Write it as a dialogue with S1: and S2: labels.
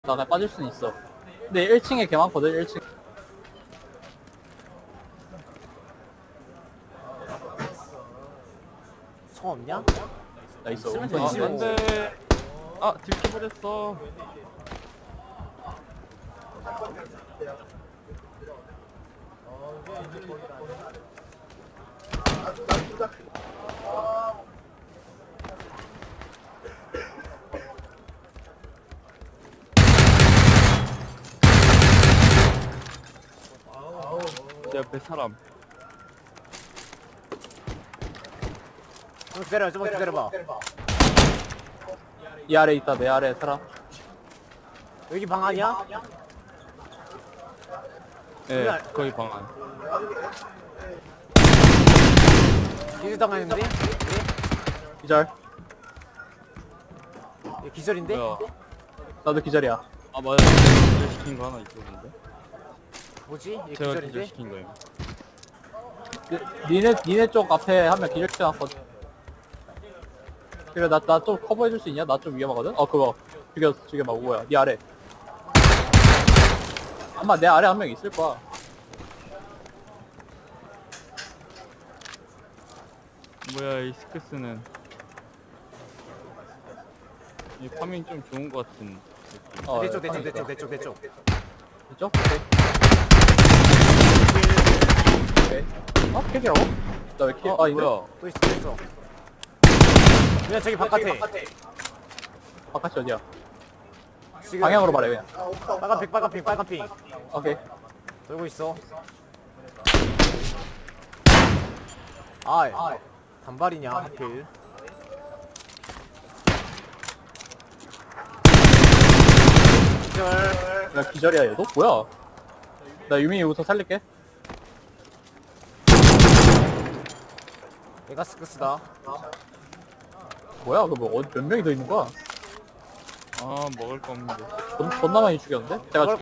S1: 나가 빠질 수는 있어. 근데 1층에 개 많거든. 1층.
S2: 총 없냐?
S1: 나 있어.
S2: 있으면
S1: 엄청
S2: 되지.
S1: 있는데.
S3: 안돼. 아 들켜버렸어. 제 옆에 사람.
S2: 좀 기다려, 좀만 기다려봐.
S1: 이 아래 있다. 내 아래 사람.
S2: 여기 방 아니야?
S3: 예,
S2: 그래.
S3: 거기 방 안.
S2: 기절 당했는데?
S1: 기절.
S2: 얘 기절인데?
S3: 뭐야?
S1: 나도 기절이야.
S3: 아 맞아. 기절 시킨 거 하나 있었는데.
S2: 뭐지? 얘
S3: 제가
S2: 기절인데?
S3: 기절 시킨 거예요.
S1: 니네 쪽 앞에 한 명 기절 시켜놨거든. 그래, 나 좀 커버해줄 수 있냐? 나 좀 위험하거든? 그거. 죽여봐. 뭐야. 니 아래. 아마 내 아래 한 명 있을 거야.
S3: 뭐야 이 스크스는. 이 파밍 좀 좋은 거 같은. 느낌.
S2: 내 쪽, 내 쪽,
S1: 방에
S2: 내
S1: 있다.
S2: 쪽, 내 쪽, 내 쪽.
S1: 이쪽? 오케이. 오케이. 킬이라고? 나 왜 킬? 아닌데?
S3: 뭐야?
S2: 또 있어, 또 있어. 그냥 저기 바깥에.
S1: 바깥이 어디야?
S2: 지금
S1: 방향으로 말해, 그냥.
S2: 빨간 핑, 빨간 핑, 빨간 핑.
S1: 오케이.
S2: 돌고 있어. 아, 단발이냐, 하필. 기절.
S1: 야, 기절이야, 얘도? 뭐야? 나 유민이 우선 살릴게.
S2: 얘가 스크스다.
S1: 뭐야, 몇 명이 더 있는 거야?
S3: 아 먹을 거 없는데.
S1: 존나 많이 죽였는데? 제가